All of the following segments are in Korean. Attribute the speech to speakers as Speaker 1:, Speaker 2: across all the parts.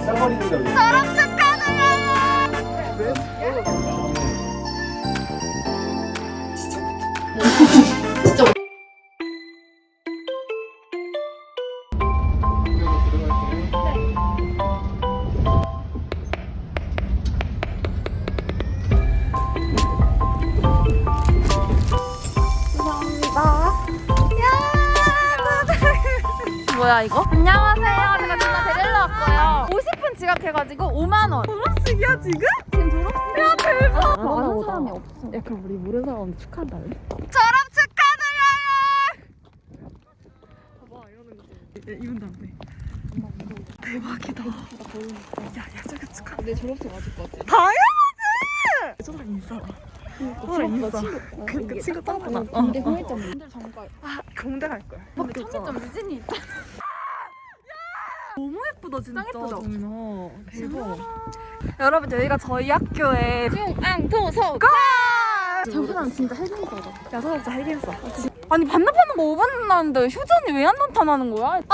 Speaker 1: 싸버리는데 왜?
Speaker 2: 졸업 축하드려요.
Speaker 1: 그래?
Speaker 2: 진짜. 뭐야 이거? 안녕하세요. 제가 누나 데리러 왔고요. 50분 지각해가지고 5만 원.
Speaker 3: 졸업식이야 지금?
Speaker 2: 지금 졸업? 야 대박.
Speaker 3: 아는 사람이 없어. 야 그럼 우리 모르는 사람 축하한다.
Speaker 2: 졸업 축하드려요.
Speaker 3: 봐봐 이러는 거지. 이분 다음에. 대박이다. 야야 저기 축하.
Speaker 2: 내 졸업식 맞을 것 같아.
Speaker 3: 당연하지. 저랑 인사. 저랑 인사. 그 친구 따구나.
Speaker 2: 근데 후회점 분들 잠깐.
Speaker 3: 아 공대 갈 거야.
Speaker 2: 근데 청계점 유진이 있다.
Speaker 3: 너무 예쁘다 진짜.
Speaker 2: 짱 예쁘죠?
Speaker 3: 정민아. 대박.
Speaker 2: 여러분 여기가 저희 학교의 중앙도서관.
Speaker 3: 저 사람 진짜 헬긴싸다. 야 사람 진짜 헬긴싸.
Speaker 2: 아니 반납하는 거 5분 나는데 휴전이 왜 안 나타나는 거야? 안돼.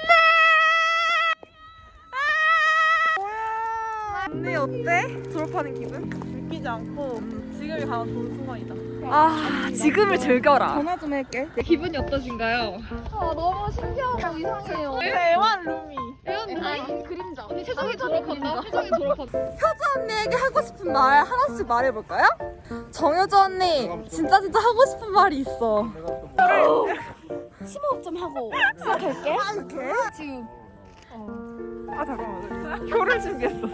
Speaker 3: 언니 어때? 졸업하는 기분? 느끼지 않고 지금이 가장 좋은 순간이다.
Speaker 2: 아 지금을 즐겨라.
Speaker 3: 전화 좀 할게.
Speaker 2: 기분이 어떠신가요? 아 너무 신기하고 이상해요.
Speaker 3: 대만 루미.
Speaker 2: 아니 그림자. 언니 최정이 졸업한다. 최정이 졸업한다.
Speaker 3: 효주 언니에게 하고 싶은 말 하나씩 말해볼까요? 정효주 언니 진짜 하고 싶은 말이 있어.
Speaker 2: 심호흡 좀 하고 시작할게.
Speaker 3: 이렇게?
Speaker 2: 지금.
Speaker 3: 아 잠깐만. 표를 준비했어.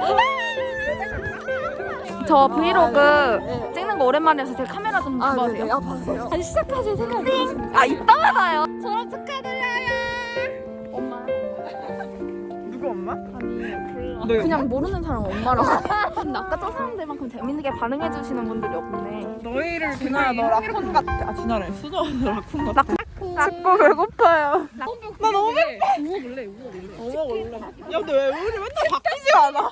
Speaker 2: 저 브이로그 찍는 거 오랜만이라서 제가 카메라 좀
Speaker 3: 아
Speaker 2: 봐도
Speaker 3: 네네.
Speaker 2: 돼요?
Speaker 3: 아 봐주세요. 다시 시작하실 생각이
Speaker 2: 아 이따 받아요. 졸업 축하드려요. 엄마.
Speaker 3: 누구 엄마?
Speaker 2: 아니
Speaker 3: 너
Speaker 2: 그냥 모르는 사람 엄마라고. 근데 아까 저 사람들만큼 재밌게 반응해 주시는 분들이 없네.
Speaker 3: 너희를 진아야 너 라쿤 같아. 아 진아래. 수저는 라쿤 같아. 자꾸 배고파요.
Speaker 2: 나
Speaker 3: 너무
Speaker 2: 우워볼래.
Speaker 3: 어머 원래. 야 근데 왜 우리 맨날 바뀌지 않아?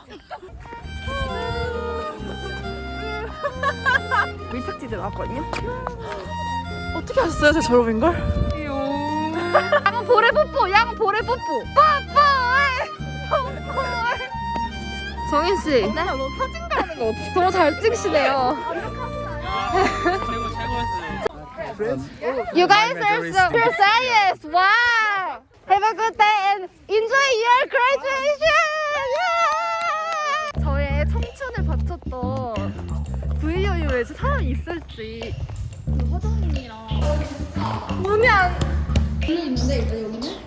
Speaker 2: 밀착지대 나왔거든요.
Speaker 3: 어떻게 하셨어요? 제 졸업인 걸?
Speaker 2: 양 볼에 뽀뽀. 양 볼에 뽀뽀. 정인 씨.
Speaker 3: 너 사진 가는 거 어떻게?
Speaker 2: 너무 잘 찍으시네요. You guys are so serious. Wow. Have a good day and enjoy your graduation. Yeah. 저의 청춘을 바쳤던 VU에 사람이 있을지. 화장님이랑 문이 안. 문이 있는데 이제 여기는?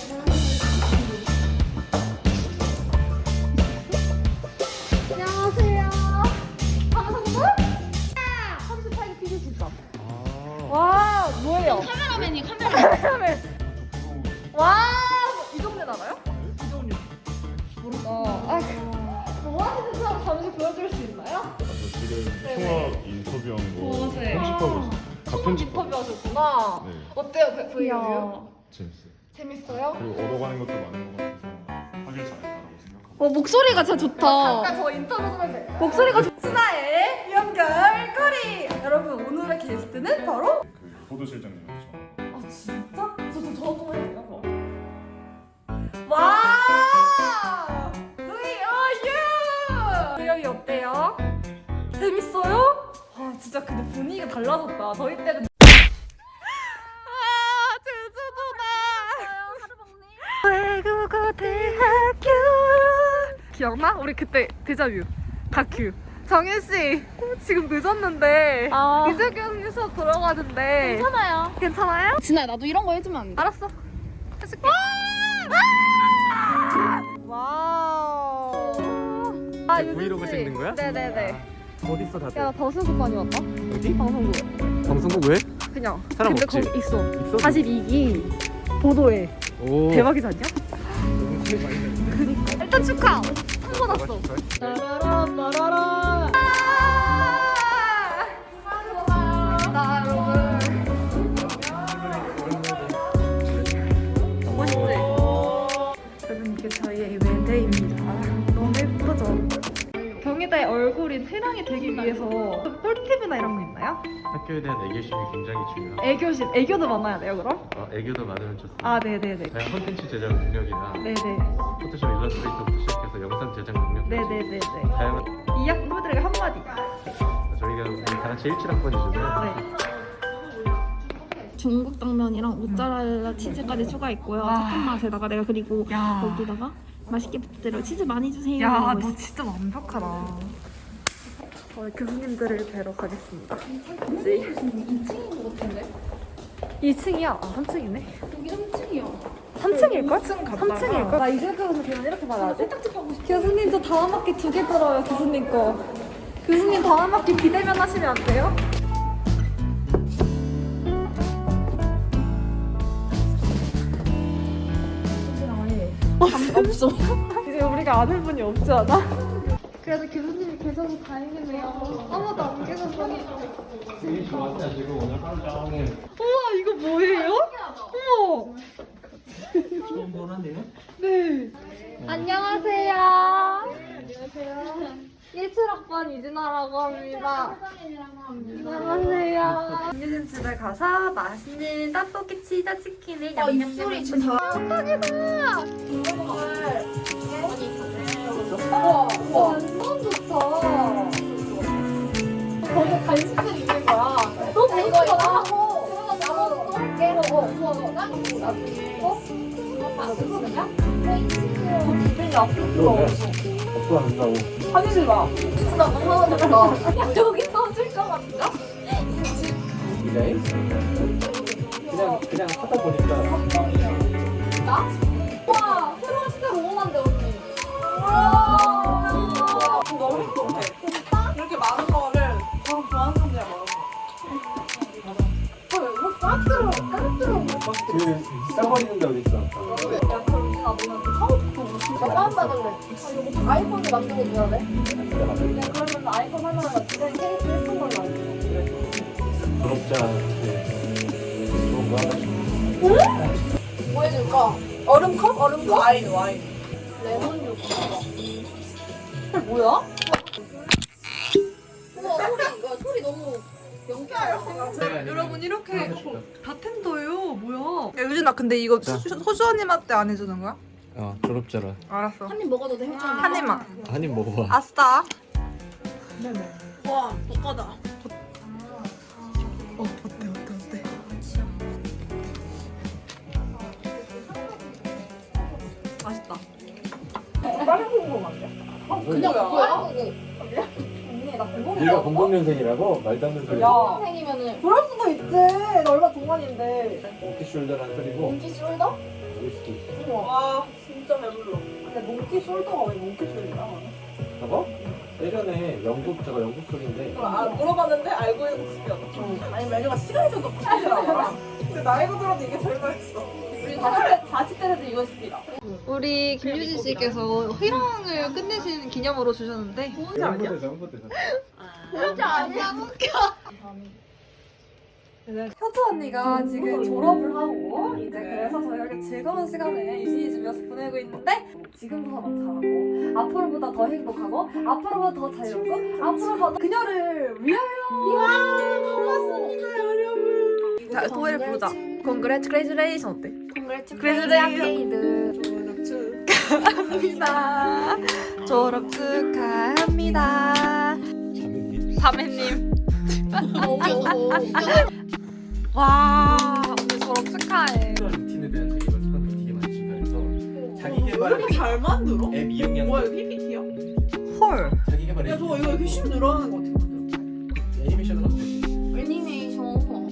Speaker 2: 안녕하세요. 방송국? 38기 피디 진짜. 와 뭐예요? 카메라맨이 카메라맨. 와 이 정도 나가요? 이 정도. 모르다. 뭐 하는 사람 잠시 보여줄 수 있나요?
Speaker 4: 저 지금 통화 인터뷰한 거
Speaker 2: 네.
Speaker 4: 편집하고 있어요. 다 편집하고
Speaker 2: 인터뷰 하셨구나.
Speaker 4: 네.
Speaker 2: 어때요 VU?
Speaker 4: 재밌어요.
Speaker 2: 재밌어요?
Speaker 4: 그리고 얻어가는 것도 많은 것 같아서 하길 잘했다고 생각하고
Speaker 2: 목소리가 진짜 좋다.
Speaker 3: 잠깐 저 인터뷰 좀 해도 돼요?
Speaker 2: 목소리가 좋.
Speaker 3: 진아의 연결고리. 여러분 오늘의 게스트는 바로.
Speaker 4: 그 포도 실장님이었죠.
Speaker 3: 아 진짜? 저도 해야 돼요? 와! VU유! 어때요? 재밌어요? 아 진짜 근데 분위기가 달라졌다. 저희 때는
Speaker 2: 외국어 대학교 기억나? 우리 그때 데자뷰 다큐. 정윤 씨 지금 늦었는데 이재경 수업 들어가는데
Speaker 3: 괜찮아요.
Speaker 2: 괜찮아요?
Speaker 3: 진아 나도 이런 거 해주면 안 돼?
Speaker 2: 알았어. 해줄게.
Speaker 3: 와우.
Speaker 2: 아,
Speaker 1: 브이로그
Speaker 2: 유진 씨.
Speaker 1: 찍는 거야?
Speaker 2: 네네네.
Speaker 1: 어딨어 다들?
Speaker 2: 야, 나 방송국 많이 왔다.
Speaker 1: 어디?
Speaker 2: 방송국.
Speaker 1: 방송국 왜?
Speaker 2: 그냥.
Speaker 1: 사람
Speaker 2: 근데
Speaker 1: 없지?
Speaker 2: 거기 있어.
Speaker 1: 있어?
Speaker 2: 42기 보도에.
Speaker 1: 오.
Speaker 2: 대박이지 않냐?
Speaker 1: 너무 차이 많이 나네.
Speaker 2: 그니까. 일단 축하. 한번 왔어.
Speaker 3: 따라라라라라.
Speaker 2: 나 여러분. 멋있지? 여러분 이게 저희의 외대입니다. 너무 예쁘죠? 경희대의 얼굴인 태랑이 되기 위해서 꿀팁이나 이런 거 있나요?
Speaker 1: 학교에 대한 애교심이 굉장히 중요하고
Speaker 2: 애교심, 애교도 많아야 돼요 그럼?
Speaker 1: 애교도 많으면 좋습니다.
Speaker 2: 아 네네네.
Speaker 1: 다양한 콘텐츠 제작 능력이나
Speaker 2: 네네.
Speaker 1: 포토샵 일러스트레이터부터 시작해서 영상 제작 능력까지
Speaker 2: 네네네네.
Speaker 1: 다양한
Speaker 2: 2학 후배들에게 한마디.
Speaker 1: 저희가 우리 다 같이 17학번이잖아요.
Speaker 2: 네.
Speaker 5: 중국 당면이랑 모짜렐라 치즈까지 추가했고요. 착한 맛에다가 내가 그리고
Speaker 2: 야.
Speaker 5: 여기다가 맛있게 부탁드려요. 치즈 많이 주세요.
Speaker 2: 야,
Speaker 5: 이러고
Speaker 2: 너
Speaker 5: 있어.
Speaker 2: 진짜 완벽하다. 저희 교수님들을 뵈러 가겠습니다.
Speaker 5: 2층인 것 같은데?
Speaker 2: 2층이야? 아, 3층이네.
Speaker 5: 여기 3층이야.
Speaker 2: 3층일걸?
Speaker 3: 3층 갔다가
Speaker 2: 3층일걸? 나 이제까지 그냥 이렇게 받아야지.
Speaker 5: 세탁집하고 싶어.
Speaker 2: 교수님 저 다음 학기 2개 들어요, 교수님 거. 교수님 다음 학기 비대면 하시면 안 돼요?
Speaker 5: 없어.
Speaker 2: 이제 우리가 아는 분이 없지 않아? 그래도 교수님이 계셔서 다행이네요. 아무도 안 계셔서. 우와, 이거 뭐예요? 어머! 네. 안녕하세요. 안녕하세요. 17학번 이진아라고 합니다. 안녕하세요. 김유진 집에 가서 맛있는 떡볶이 치즈 치킨을 냠냠냠 축하합니다. 우와, 완전 좋다. 거기 간식들 있는 거야. 너무 배고프다.
Speaker 1: 없어한다고.
Speaker 2: 하지 마. 진짜 너무 하고 여기 터질 것 같다.
Speaker 1: 디자인? 그냥 하다 보니까
Speaker 2: 나? 와, 새로운 시대 로망한데 언니. 와,
Speaker 3: 너무 행복해. 이렇게 많은 거를 저랑 좋아하는 사람들이랑 먹었어.
Speaker 1: 그 싸버리는 데 어딨어?
Speaker 2: 야, 그럼 진아 너는 그 처음부터 나 다운받을래. 아이폰을 만들어 줘야 돼? 네, 그러면 아이폰 하나가 디자인 케이스 예쁜 걸로 알고.
Speaker 1: 졸업자 좋은 거 하나
Speaker 2: 뭐 해줄까?
Speaker 3: 얼음컵? 얼음컵? 와인.
Speaker 2: 레몬 주스. 뭐야? 우와, 소리 너무
Speaker 3: 여러분 이렇게 바텐더예요. 뭐야? 야, 유진아 근데 이거 소주 언니한테 안 해주는 거야?
Speaker 1: 졸업자라
Speaker 3: 알았어.
Speaker 5: 한 입 먹어도 돼? 혜정이?
Speaker 3: 한 입만.
Speaker 1: 한 입 먹어봐.
Speaker 3: 아싸. 와, 볶아다. 어때? 맛있다.
Speaker 2: 그냥 뭐야?
Speaker 1: 네가 00년생이라고? 말도 안 되는 소리.
Speaker 2: 선생님이면은 그럴 수도 있지. 나 얼마 동안인데.
Speaker 1: 몽키숄더란 소리고
Speaker 2: 몽키 숄더?
Speaker 1: 위스키.
Speaker 3: 와, 진짜 배불러.
Speaker 2: 근데 몽키 숄더가 왜 몽키 숄더야?
Speaker 1: 저거? 예전에 영국 소리인데
Speaker 3: 물어봤는데 알고 있는 모습이었어. 아니 메뉴가 시간이 좀 높더라고. 근데 나이가 들어도 이게 제일 맛있어.
Speaker 2: 우리 40대라도 이거 시키라.
Speaker 3: 우리 김유진 씨께서 회랑을 끝내신 기념으로 주셨는데
Speaker 1: 홍보대사.
Speaker 2: 진짜 아니야. 효주 언니가 지금 졸업을 하고 이제 그래서 저희가 즐거운 시간을 유진이 집에서 보내고 있는데 지금보다 더 잘하고 앞으로보다 더 행복하고 앞으로보다 더 자유롭고 앞으로보다 그녀를 위하여. 고맙습니다 여러분.
Speaker 3: 자 노래 부르자. Congratulation 어때? 축하합니다. 졸업 축하합니다. 자매님. 와 오늘 졸업 축하해.
Speaker 1: 루틴에 대한 자기가 사람도 되게 많이 증가해서 자기 개발
Speaker 3: 잘 만들어?
Speaker 1: 앱 이용량
Speaker 3: 뭐야 이거 PPT야?
Speaker 5: 헐.
Speaker 1: 자기 개발 앱
Speaker 3: 이거 이렇게 쉽게 늘어나는 거 어떻게 만들어?
Speaker 1: 애니메이션을 하면 되지.
Speaker 5: 애니메이션.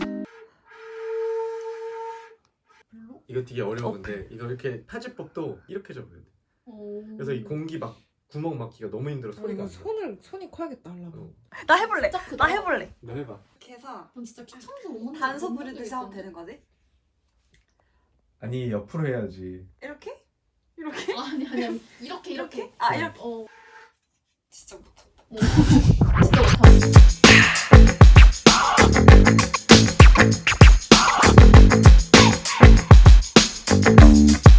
Speaker 1: 이거 되게 어려워. 근데 이거 이렇게 타지법도 이렇게 적어야 돼. 그래서 이 공기 막 구멍 막기가 너무 힘들어. 소리가 안 나.
Speaker 3: 손이 커야겠다 하려고.
Speaker 2: 나 해볼래. 나 해볼래.
Speaker 1: 너 해봐.
Speaker 3: 개사
Speaker 5: 넌 진짜 귀찮아서 못 만들어.
Speaker 3: 단서 부리듯이 하면 되는 거지?
Speaker 1: 아니 옆으로 해야지.
Speaker 3: 이렇게?
Speaker 5: 아니 이렇게.
Speaker 3: 아 이렇게. 진짜 못한다.
Speaker 5: 진짜 못하지.